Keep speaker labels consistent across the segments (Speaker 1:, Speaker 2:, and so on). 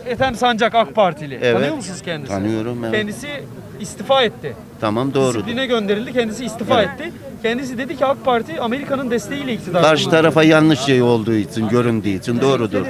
Speaker 1: Ethem Sancak AK Partili.
Speaker 2: Evet.
Speaker 1: Tanıyor musunuz kendisini?
Speaker 2: Tanıyorum, evet.
Speaker 1: Kendisi istifa etti.
Speaker 2: Tamam, doğru.
Speaker 1: Disipline gönderildi. Kendisi istifa etti. Kendisi dedi ki AK Parti Amerika'nın desteğiyle iktidar.
Speaker 2: Karşı tarafa yanlış şey olduğu için, göründüğü için doğrudur.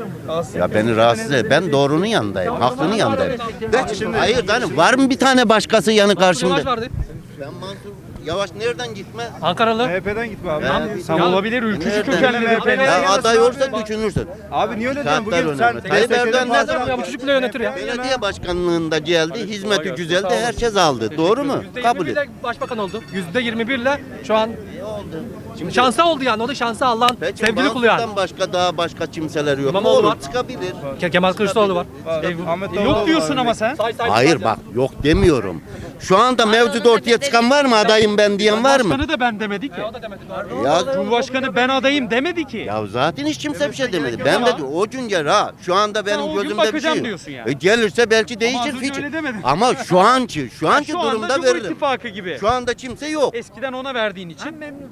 Speaker 2: Ya beni rahatsız et. Ben doğrunun yanındayım, haklının yanındayım. Hayır canım, var mı bir tane başkası yanı karşımda? Ben Mansur Yavaş nereden gitme?
Speaker 3: Ankaralı.
Speaker 4: MHP'den gitme abi.
Speaker 1: Tam olabilir. Ülkücü kökenli MHP'li.
Speaker 2: Ya aday olsa düşünürsün.
Speaker 4: Abi niye öyle diyorsun?
Speaker 2: Saatler
Speaker 4: Bugün sen
Speaker 2: önemli. Tayyip Erdoğan ne zaman
Speaker 3: Ya bu çocuk bile yönetir ya.
Speaker 2: belediye başkanlığında geldi, hizmeti güzeldi, herkes aldı. Doğru mu? Kabul et.
Speaker 3: %21'le başbakan oldu. %21'le şu an şansa oldu yani. O da şansa Allah'ın
Speaker 2: Peki
Speaker 3: sevgili kulu yani.
Speaker 2: Mansur'dan başka daha başka kimseler yok.
Speaker 3: İmamoğlu
Speaker 2: Olur,
Speaker 3: var.
Speaker 2: çıkabilir.
Speaker 3: Kemal Kılıçdaroğlu var.
Speaker 4: Ahmet
Speaker 1: Yok diyorsun ama sen.
Speaker 2: Hayır bak, yok demiyorum. Şu anda mevcut ortaya çıkan var mı, adayım ben diyen var mı?
Speaker 1: Başkanı da ben demedi ki.
Speaker 2: Ya,
Speaker 1: Cumhurbaşkanı ben adayım demedi ki.
Speaker 2: ya zaten hiç kimse bir şey demedi. Ben de o gün gel ha. Şu anda
Speaker 1: o
Speaker 2: benim
Speaker 1: gün
Speaker 2: gözümde bir şey
Speaker 1: bakacağım
Speaker 2: yok.
Speaker 1: diyorsun yani.
Speaker 2: Gelirse belki değişir
Speaker 1: az önce
Speaker 2: fikir.
Speaker 1: öyle demedin.
Speaker 2: Ama şu anki
Speaker 1: Şu anda
Speaker 2: durumda
Speaker 1: Cumhur
Speaker 2: veririm.
Speaker 1: İttifakı gibi.
Speaker 2: Şu anda kimse yok.
Speaker 1: Eskiden ona verdiğin için.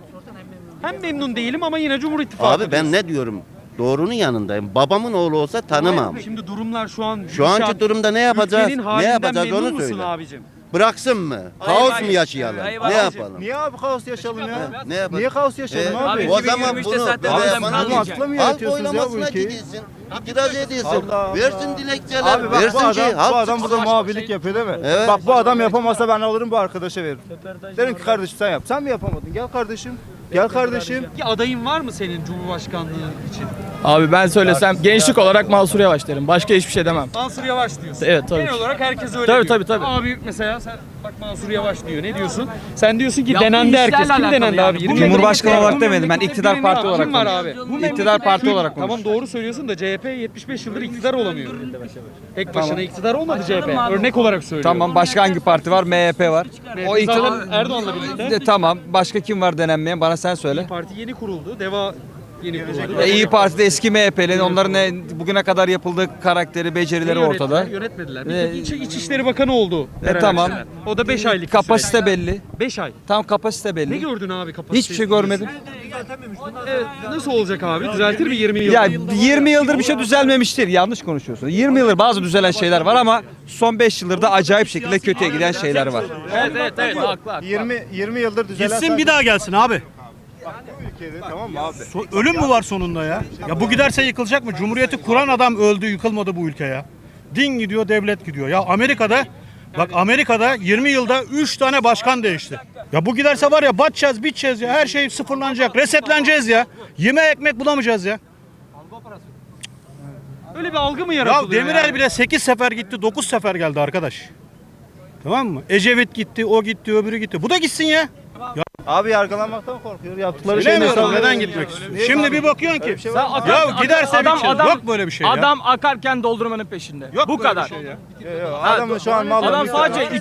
Speaker 1: Hem memnun değilim ama yine Cumhur İttifakı.
Speaker 2: Abi ben ne diyorum? Doğrunun yanındayım. Babamın oğlu olsa tanımam.
Speaker 1: Şimdi durumlar şu an
Speaker 2: Şu anki durumda ne yapacağız?
Speaker 1: Ülkenin
Speaker 2: Ne
Speaker 1: halinden
Speaker 2: yapacağız
Speaker 1: memnun
Speaker 2: onu
Speaker 1: musun
Speaker 2: söyle.
Speaker 1: abicim?
Speaker 2: Bıraksın mı? Kaos mu yaşayalım? Ne yapalım?
Speaker 4: Niye abi kaos yaşayalım ya?
Speaker 2: Ne yapalım?
Speaker 4: Niye kaos yaşayalım abi?
Speaker 2: O zaman bunu
Speaker 4: zaten
Speaker 2: böyle
Speaker 4: adam
Speaker 2: yapalım.
Speaker 4: bunu akla mı
Speaker 2: Halk
Speaker 4: yaratıyorsunuz ya bu
Speaker 2: oylamasına
Speaker 4: ülkeyi?
Speaker 2: gidilsin. İtiraz edilsin.
Speaker 4: Allah Allah.
Speaker 2: Versin dilekçeler.
Speaker 4: Abi bak
Speaker 2: versin
Speaker 4: bu adam,
Speaker 2: şey.
Speaker 4: bu
Speaker 2: Halk
Speaker 4: adam burada
Speaker 2: çıksın.
Speaker 4: muhabirlik yapıyor değil mi?
Speaker 2: Evet.
Speaker 4: Bak bu adam yapamazsa ben alırım bu arkadaşa veririm. Derim ki kardeşim sen yap. Sen mi yapamadın? Gel kardeşim. Gel kardeşim.
Speaker 1: Bir adayın var mı senin Cumhurbaşkanlığı için?
Speaker 5: Abi ben söylesem gençlik olarak Mansur Yavaş derim. Başka hiçbir şey demem.
Speaker 1: Mansur Yavaş diyorsun.
Speaker 5: Evet, tabii
Speaker 1: Genel
Speaker 5: ki.
Speaker 1: olarak herkes öyle
Speaker 5: Tabii,
Speaker 1: diyor.
Speaker 5: tabii.
Speaker 1: Abi mesela sen bak Mansur Yavaş diyor. Ne diyorsun? Sen diyorsun ki
Speaker 3: Yaptığı
Speaker 1: denendi herkes.
Speaker 3: işlerle
Speaker 1: Kim
Speaker 3: alakalı
Speaker 1: denendi
Speaker 3: yani.
Speaker 1: abi? 20
Speaker 6: Cumhurbaşkanı
Speaker 1: yıldır-
Speaker 6: olarak demedim, ben iktidar parti olarak
Speaker 1: Kim var abi?
Speaker 6: konuşuyorum. İktidar parti olarak
Speaker 1: Tamam
Speaker 6: konuşuyorum.
Speaker 1: doğru söylüyorsun da CHP 75 yıldır iktidar olamıyor. Tek başına iktidar olmadı CHP. Örnek olarak söylüyorum.
Speaker 6: Tamam, başka hangi parti var? MHP var. O iktidar...
Speaker 1: Zaten Erdoğan'la birlikte.
Speaker 6: Tamam, başka kim var denenmeyen? Bana sen söyle.
Speaker 1: Parti yeni kuruldu. Deva yeni kuruldu.
Speaker 6: İyi Parti'de eski MHP'li, onların bugüne kadar yapıldığı karakteri, becerileri ortada.
Speaker 1: Yönetmediler. Bir tek İçişleri Bakanı oldu.
Speaker 6: Tamam.
Speaker 1: O da 5 aylık.
Speaker 6: Kapasite belli.
Speaker 1: 5 ay.
Speaker 6: Tam kapasite
Speaker 1: Ne
Speaker 6: belli.
Speaker 1: gördün abi kapasite?
Speaker 6: Hiçbir şey görmedim.
Speaker 1: Evet, nasıl olacak abi? Düzeltir mi 20 yıl?
Speaker 6: Ya 20 yıldır bir şey düzelmemiştir. Yanlış konuşuyorsun. 20 yıldır bazı düzelen şeyler var ama son 5 yıldır da acayip şekilde kötüye giden şeyler var.
Speaker 5: Evet, haklı.
Speaker 4: 20 yıldır düzelen
Speaker 7: Gitsin bir daha gelsin abi.
Speaker 4: ülkede, tamam mı abi?
Speaker 7: Ölüm mü var sonunda ya? Ya bu giderse yıkılacak mı? Cumhuriyeti kuran adam öldü, yıkılmadı bu ülke ya. Din gidiyor, devlet gidiyor. Ya Amerika'da 20 yılda 3 tane başkan değişti. Ya bu giderse var ya batacağız, biteceğiz ya. Her şey sıfırlanacak, resetleneceğiz ya. Yemeğe ekmek bulamayacağız ya.
Speaker 1: Öyle bir algı mı
Speaker 7: Ya
Speaker 1: yaratılıyor?
Speaker 7: Demirel bile 8 sefer gitti, 9 sefer geldi arkadaş. Tamam mı? Ecevit gitti, o gitti, öbürü gitti. Bu da gitsin ya.
Speaker 4: Abi yargılanmaktan korkuyor. Yaptıkları
Speaker 7: Bilemiyorum neden gitmek istiyor. Şimdi bir bakıyorsun ki. Ya giderse biteceğiz. Yok böyle bir şey ya.
Speaker 5: Adam akarken doldurmanın peşinde.
Speaker 7: Yok
Speaker 5: Bu
Speaker 7: böyle
Speaker 5: kadar.
Speaker 7: bir şey ya.
Speaker 4: Adamın şu an malları...
Speaker 5: Adam sadece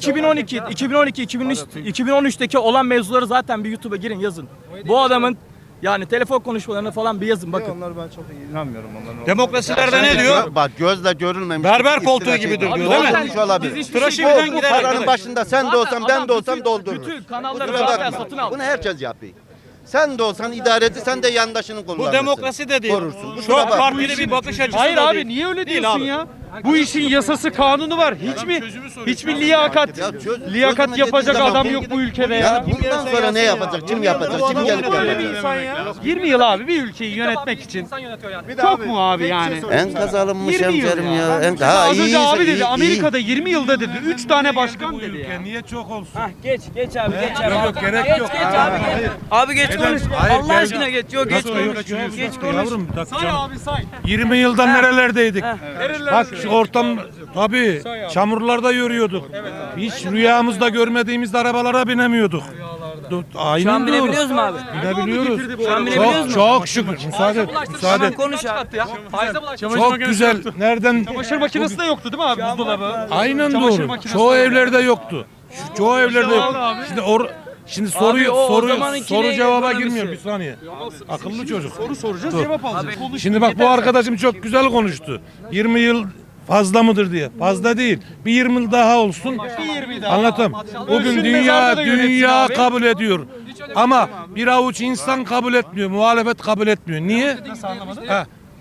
Speaker 5: 2013'teki olan mevzuları zaten bir YouTube'a girin yazın. Bu adamın yani telefon konuşmalarını falan bir yazın bakın.
Speaker 4: Onlar ben çok inanmıyorum onların.
Speaker 7: Demokrasilerde ne diyor?
Speaker 2: Bak gözle görülmemiş.
Speaker 7: Berber
Speaker 2: iftira
Speaker 7: koltuğu
Speaker 2: şey.
Speaker 7: gibidir
Speaker 2: Abi
Speaker 7: diyor, değil mi?
Speaker 2: olmamış olabilir.
Speaker 5: Biz hiçbir
Speaker 7: Tıraşı
Speaker 5: şey
Speaker 7: birden
Speaker 2: Bu
Speaker 7: gider
Speaker 2: paranın
Speaker 7: arkadaş.
Speaker 2: başında sen de olsan ben de olsam doldururuz.
Speaker 5: Bütün kanalları
Speaker 2: Kusura
Speaker 5: zaten
Speaker 2: bakma.
Speaker 5: satın al.
Speaker 2: Bunu herkes yapıyor. Sen de olsan idareci, sen de yandaşını kullanırsın.
Speaker 7: Bu demokrasi de değil.
Speaker 2: Korursun. Kusura
Speaker 7: Çok
Speaker 2: bakma.
Speaker 7: partili bir bakış açısı
Speaker 1: Hayır
Speaker 7: da
Speaker 1: abi
Speaker 7: değil.
Speaker 1: niye öyle
Speaker 7: Değil
Speaker 1: diyorsun
Speaker 7: abi.
Speaker 1: ya? Bu işin yasası kanunu var. Hiçbir liyakat
Speaker 2: Ya
Speaker 1: liyakat
Speaker 2: çözümü
Speaker 1: yapacak
Speaker 2: dediğin
Speaker 1: adam
Speaker 2: zaman-
Speaker 1: yok bu ülkede ya.
Speaker 2: Yani bundan sonra ne yapacak? Kim yapacak? Kim gelip
Speaker 1: Böyle bir
Speaker 2: yapacak?
Speaker 1: insan ya. 20 yıl abi bir ülkeyi yönetmek için.
Speaker 5: İnsan yönetiyor yani.
Speaker 4: Bir de
Speaker 1: Çok mu abi
Speaker 4: tek
Speaker 1: yani?
Speaker 4: şey sorayım sana.
Speaker 2: Enkaz alınmış
Speaker 1: 20 yıl
Speaker 2: hemşerim
Speaker 1: ya.
Speaker 2: ya.
Speaker 1: Şimdi az önce abi dedi
Speaker 2: iyi.
Speaker 1: Amerika'da 20 yılda dedi 3 tane başkan dedi ya.
Speaker 8: Niye çok olsun?
Speaker 3: Geç abi geç abi.
Speaker 8: Yok gerek yok.
Speaker 3: Abi geç konuş.
Speaker 8: Hayır,
Speaker 3: Allah
Speaker 8: gel-
Speaker 3: aşkına geç. Yok geç konuş. Geç konuş.
Speaker 8: Yavrum bak
Speaker 1: Say abi say.
Speaker 8: 20 yıldan nerelerdeydik?
Speaker 1: Nerelerde
Speaker 8: Bak şu ortam tabii çamurlarda yürüyorduk. Hiç rüyamızda görmediğimiz arabalara binemiyorduk. Aynen
Speaker 3: Şu an
Speaker 8: doğru.
Speaker 3: binebiliyoruz mu abi?
Speaker 8: Binebiliyoruz.
Speaker 3: Şu an binebiliyoruz
Speaker 8: Çok
Speaker 3: mu?
Speaker 8: çok şükür. Müsaade et. Müsaade
Speaker 3: Tamam
Speaker 8: et.
Speaker 3: konuş abi.
Speaker 8: Çok güzel. Nereden?
Speaker 1: Çamaşır makinesi de yoktu değil mi abi buzdolabı?
Speaker 8: Aynen
Speaker 1: Çamaşır
Speaker 8: doğru.
Speaker 1: makinesi
Speaker 8: Çoğu
Speaker 1: de-
Speaker 8: evlerde yoktu. Çoğu evlerde yok. Şimdi
Speaker 3: o zamanınki
Speaker 8: soru
Speaker 3: ne
Speaker 8: cevaba
Speaker 3: ekonomisi?
Speaker 8: girmiyor bir saniye. Akıllı çocuk.
Speaker 1: Soru soracağız cevap alacağız. Konuş.
Speaker 8: Şimdi bak bu arkadaşım çok güzel konuştu. 20 yıl fazla mıdır diye. Fazla değil. Bir 20 yıl daha olsun.
Speaker 1: Bir 20 daha.
Speaker 8: Anlatam. Bugün
Speaker 1: Ölsün, mezarda da yönetsin
Speaker 8: dünya
Speaker 1: abi.
Speaker 8: kabul ediyor. Ama bir avuç insan kabul etmiyor. Muhalefet kabul etmiyor. Niye?
Speaker 1: Nasıl anlamadın?
Speaker 8: Ha,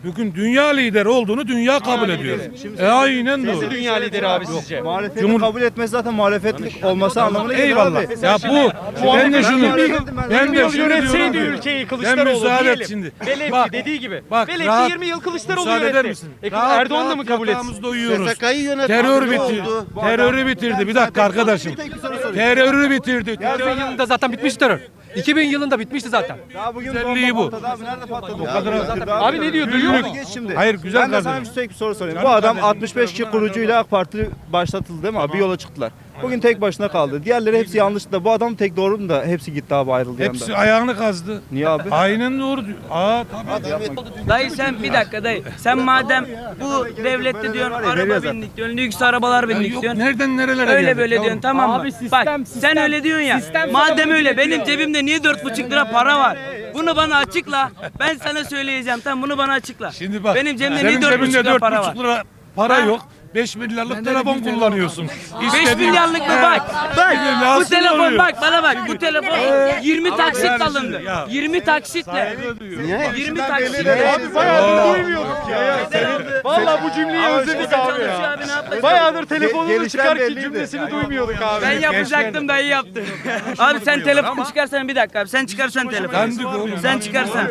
Speaker 8: Bugün dünya lideri olduğunu dünya kabul ediyor. Aynen
Speaker 1: Nasıl
Speaker 8: doğru.
Speaker 1: dünya lideri abi sizce?
Speaker 4: Muhalefeti kabul etmesi zaten muhalefetlik olması anlamına gelir
Speaker 8: Eyvallah.
Speaker 4: abi.
Speaker 8: Ya bu ben de şunu ben de şunu
Speaker 1: Yönetseydi
Speaker 8: diyorum.
Speaker 1: ülkeyi
Speaker 8: Ben
Speaker 1: Kılıçdaroğlu
Speaker 8: müsaade et
Speaker 1: diyelim.
Speaker 8: şimdi.
Speaker 1: Velev
Speaker 8: Bak,
Speaker 1: ki dediği gibi.
Speaker 8: bak,
Speaker 1: Velev ki
Speaker 8: rahat-
Speaker 1: 20 yıl Kılıçdaroğlu
Speaker 8: Müsaade eder
Speaker 1: yönetti.
Speaker 8: misin?
Speaker 1: Erdoğan da mı kabul etsin?
Speaker 8: Yatağımızda uyuyoruz.
Speaker 2: SSK'yı yöneten
Speaker 8: Terör
Speaker 2: ne
Speaker 8: bitirdi.
Speaker 2: oldu?
Speaker 8: Terörü bitirdi. Bir dakika arkadaşım. Terörü bitirdi.
Speaker 3: 2000 yılında zaten bitmişti terör. 2000 yılında bitmişti zaten.
Speaker 4: Daha bugün
Speaker 8: Güzelliği
Speaker 4: bomba
Speaker 8: bu.
Speaker 4: patladı abi, nerede patladı? O
Speaker 2: Ya
Speaker 4: kadar
Speaker 2: bu-
Speaker 4: öldürdü
Speaker 1: Abi ne diyor duyuyor musun?
Speaker 4: Geç şimdi.
Speaker 8: Hayır, güzel
Speaker 4: Ben de sana
Speaker 8: kardeşim.
Speaker 4: tek bir soru sorayım.
Speaker 8: Canım
Speaker 4: Bu adam
Speaker 8: kardeşim,
Speaker 4: 65 kişi kurucuyla AK Parti başlatıldı değil mi abi? Bir yola çıktılar. Bugün tek başına kaldı. Diğerleri hepsi yanlış da bu adam tek doğru mu da hepsi gitti abi ayrıldı
Speaker 8: Hepsi
Speaker 4: yandan.
Speaker 8: ayağını kazdı.
Speaker 4: Niye abi?
Speaker 8: Aynen doğru diyor. Tabii.
Speaker 5: Dayı sen bir dakika dayı. Sen madem bu devlette diyorsun araba bindik diyorsun, lüks arabalar bindik
Speaker 8: Yok,
Speaker 5: diyorsun.
Speaker 8: nereden nerelere
Speaker 5: Öyle
Speaker 8: geldik
Speaker 5: böyle
Speaker 8: yavrum?
Speaker 5: diyorsun tamam mı?
Speaker 1: Abi sistem,
Speaker 5: Bak sen öyle diyorsun ya. Madem öyle benim cebimde niye 4,5 lira para var? Bunu bana açıkla. Ben sana söyleyeceğim. Tamam bunu bana açıkla.
Speaker 8: Şimdi bak.
Speaker 5: Benim cebimde
Speaker 8: senin
Speaker 5: niye 4,5
Speaker 8: cebinde
Speaker 5: lira para var?
Speaker 8: 4,5 lira para yok. 5 milyarlık telefon kullanıyorsun.
Speaker 5: 5 milyarlık mı bak? Bak bu
Speaker 8: Nasıl
Speaker 5: telefon
Speaker 8: oluyor?
Speaker 5: bak bana bak. Bu telefon 20 taksit alındı.
Speaker 8: Ya.
Speaker 5: 20 taksitle. 20 taksitle.
Speaker 1: Abi bayağıdır duymuyorduk ya. Vallahi bu cümleyi özledik abi
Speaker 5: Çalışıyor
Speaker 1: ya.
Speaker 5: abi ne yapacak?
Speaker 1: Bayağıdır telefonunu
Speaker 4: Gelişen
Speaker 1: çıkar ki
Speaker 4: belliydi.
Speaker 1: cümlesini duymuyorduk abi.
Speaker 5: Ben yapacaktım dayı yaptı. Abi sen telefonu çıkarsan bir dakika abi. Sen çıkarsan telefonu.
Speaker 8: Dandik oğlum.
Speaker 5: Sen çıkarsan.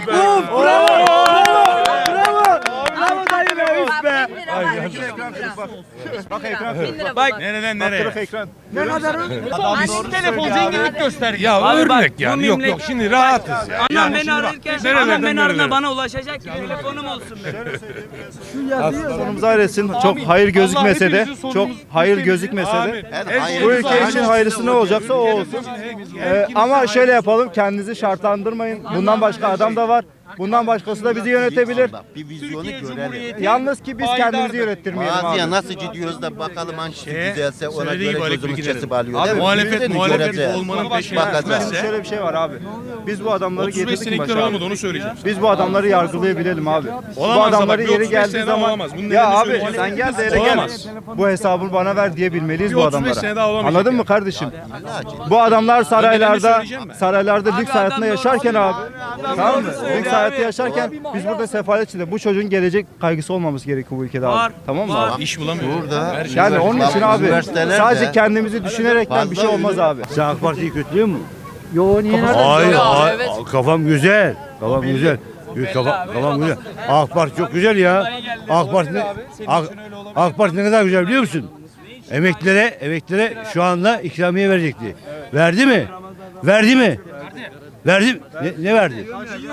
Speaker 4: Bak ekran.
Speaker 5: Bak
Speaker 8: Nereden
Speaker 4: Taraf ekran.
Speaker 1: Telefon zenginlik gösterge.
Speaker 8: Ya
Speaker 5: Abi bak,
Speaker 8: örnek
Speaker 5: bu
Speaker 8: yani. Yok
Speaker 5: millet-
Speaker 8: yok şimdi rahatız ya.
Speaker 5: annem beni ararken
Speaker 8: nerelerden
Speaker 5: annem beni aradığında
Speaker 8: nerelere?
Speaker 5: bana ulaşacak ki telefonum olsun benim.
Speaker 4: Sonumuzu hayretsin. Çok hayır gözükmese de,
Speaker 1: hepimizin
Speaker 4: çok
Speaker 1: sonumuz
Speaker 4: hayır
Speaker 1: ülkemizin-
Speaker 4: gözükmese
Speaker 8: Abi,
Speaker 4: de
Speaker 2: hayır-
Speaker 4: bu ülke için hayırlısı ne olacaksa o olsun. Ama şöyle yapalım, kendinizi şartlandırmayın. Bundan başka adam da var. Bundan başkası da bizi yönetebilir.
Speaker 2: Bak, bir vizyonu görelim.
Speaker 4: Yalnız ki biz kendimizi yönettirmeyelim
Speaker 2: Mağazaya
Speaker 4: abi.
Speaker 2: nasıl gidiyoruz da bakalım hangisi düzelse ona
Speaker 7: söylediği
Speaker 2: göre
Speaker 7: gibi
Speaker 2: gözümüz
Speaker 7: gidelim.
Speaker 2: kesip alıyor.
Speaker 7: Abi,
Speaker 2: değil mi?
Speaker 7: muhalefet-
Speaker 2: Birini
Speaker 7: muhalefet
Speaker 2: göreceğiz.
Speaker 7: olmanın peşine
Speaker 2: Bakacağız.
Speaker 7: düşmezse-
Speaker 4: Şöyle bir şey var abi. Biz bu adamları
Speaker 7: 35
Speaker 4: getirdik
Speaker 7: senelik
Speaker 4: başa abi.
Speaker 7: olmadı onu söyleyeceğim.
Speaker 4: Biz bu adamları yargılayabilelim abi. Bu
Speaker 7: Olamaz
Speaker 4: adamları
Speaker 7: ama bir
Speaker 4: yeri
Speaker 7: 35
Speaker 4: geldiği
Speaker 7: sene
Speaker 4: zaman
Speaker 7: olamaz. Bunun
Speaker 4: ya
Speaker 7: nedenini
Speaker 4: abi
Speaker 7: söyleyeceğim.
Speaker 4: sen gel de hele gel.
Speaker 7: Olamaz.
Speaker 4: Bu hesabını bana ver diyebilmeliyiz
Speaker 7: Bir
Speaker 4: bu
Speaker 7: 35 sene daha
Speaker 4: adamlara.
Speaker 7: olamayacak
Speaker 4: Anladın
Speaker 7: ya.
Speaker 4: mı kardeşim? Bu adamlar saraylarda
Speaker 7: söyleyeceğim ben.
Speaker 4: saraylarda lüks
Speaker 5: Abi
Speaker 4: hayatında
Speaker 5: adam doğru
Speaker 4: yaşarken
Speaker 5: söylüyor.
Speaker 4: abi. Tamam mı? Lüks hayatı yaşarken biz burada sefalet içinde. Bu çocuğun gelecek kaygısı olmaması gerekiyor bu ülkede
Speaker 5: Var,
Speaker 4: abi. Tamam mı
Speaker 5: var.
Speaker 4: abi?
Speaker 7: İş bulamıyor.
Speaker 2: Burada
Speaker 4: Yani onun
Speaker 2: bak,
Speaker 4: için abi
Speaker 2: üniversitelerde
Speaker 4: sadece kendimizi düşünerekten bir şey
Speaker 2: fazla
Speaker 4: olmaz abi.
Speaker 9: Sen AK Parti'yi kötülüyor mu? Hayır, hayır, kafam güzel. Kafam güzel. Kafam güzel. AK Parti çok güzel ya. AK Parti ne kadar güzel biliyor musun? Emeklilere şu anda ikramiye verecekti. Verdi mi? Verdi mi? Verdi. Ne verdi?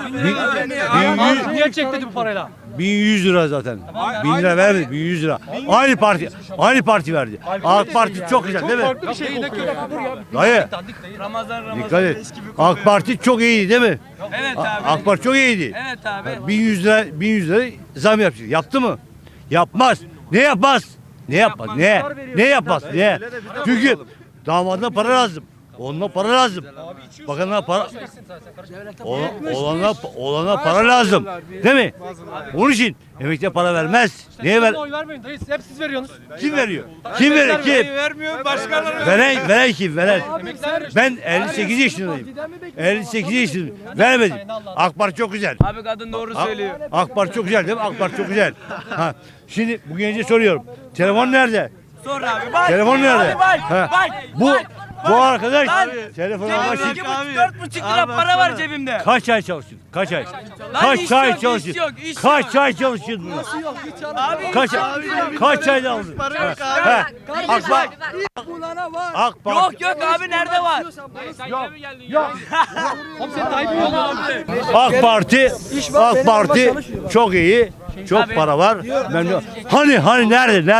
Speaker 3: Niye çekti bu parayla?
Speaker 9: 1100 lira zaten. 1000 lira vermedi, 1100 lira. Aynı parti verdi. AK Parti çok güzel değil mi?
Speaker 1: Farklı bir şey kokuyor.
Speaker 9: Dayı,
Speaker 5: Ramazan
Speaker 9: dikkat et. AK Parti çok iyiydi değil mi?
Speaker 5: Evet abi.
Speaker 9: AK Parti çok iyiydi.
Speaker 5: Evet abi.
Speaker 9: 1100 lira zam yapacak. Yaptı mı? Yapmaz. Ne yapmaz? Ne yapmaz? Ne yapmaz? Ne? Çünkü damadına para lazım. Onunla para lazım. Bakanına para olana para lazım. Değil mi? Onun için emekliye para vermez. Niye ver?
Speaker 3: Oy vermeyin dayı. Hep siz veriyorsunuz.
Speaker 9: Kim veriyor? Kim veriyor? Kim?
Speaker 3: Vermiyor başkanlar.
Speaker 9: Veren kim? Veren. Ben 58 yaşındayım. 58 yaşındayım. Vermedim. AK Parti çok güzel.
Speaker 5: Abi kadın doğru söylüyor.
Speaker 9: AK Parti çok güzel değil mi? AK Parti çok güzel. Ha. Şimdi bu gence soruyorum. Telefon nerede?
Speaker 5: Sor abi bak.
Speaker 9: Telefon nerede?
Speaker 5: Abi bak.
Speaker 9: Ha.
Speaker 5: Bak.
Speaker 9: Bu arkadaş
Speaker 5: Lan,
Speaker 9: telefon
Speaker 5: Cebimde
Speaker 9: almak için
Speaker 5: 2,5-4,5 lira para var cebimde.
Speaker 9: kaç ay çalıştın? Kaç ay?
Speaker 5: Lan
Speaker 9: Kaç
Speaker 5: iş
Speaker 9: ay
Speaker 5: yok,
Speaker 9: çalıştın?
Speaker 5: iş yok, iş
Speaker 9: Kaç
Speaker 5: yok.
Speaker 9: ay çalıştın bunu?
Speaker 5: Abi
Speaker 9: Kaç ayda aldın? Ha. AK Parti. AK Parti.
Speaker 5: yok abi nerede var?
Speaker 9: AK Parti çok iyi. Çok para var. Hani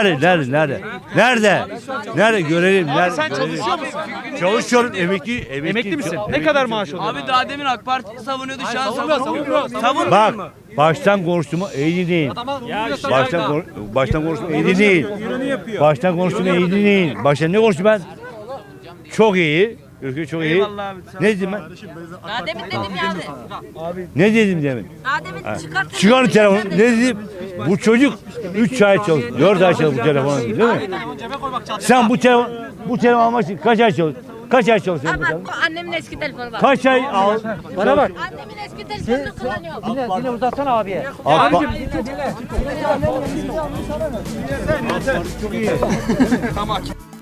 Speaker 9: nerede görelim nerede?
Speaker 1: Sen çalışıyor musun?
Speaker 9: Çalışıyorum
Speaker 1: Emekli misin? Ne kadar maaş alıyorsun?
Speaker 5: Abi daha demin AK Parti savunuyordu şu an savunmuyor. Savunmuyor
Speaker 9: Bak
Speaker 5: mu?
Speaker 9: baştan konuştuğumu iyi dinleyin. Baştan konuştuğumu iyi dinleyin. Baştan konuştuğumu iyi dinleyin. Baştan ne konuştum ben? Çok iyi. Ülke çok iyi.
Speaker 5: Eyvallah abi.
Speaker 9: Ne dedim ben?
Speaker 10: Daha demin dedim yani.
Speaker 9: Ne dedim demin?
Speaker 10: Daha demin çıkart.
Speaker 9: Çıkar telefonu. Ne dedim? Bu çocuk 3 ay çalıştı. 4 ay çalıştı bu telefonu değil mi? Sen bu telefon almak için kaç ay çalıştın? Kaç ay çalışıyorsun?
Speaker 10: Ama annemin eski telefonu var.
Speaker 9: Kaç ay al?
Speaker 3: Bana bak.
Speaker 10: Annemin eski telefonunu kullanıyor.
Speaker 3: Yine uzatsana abiye.
Speaker 6: Tamam.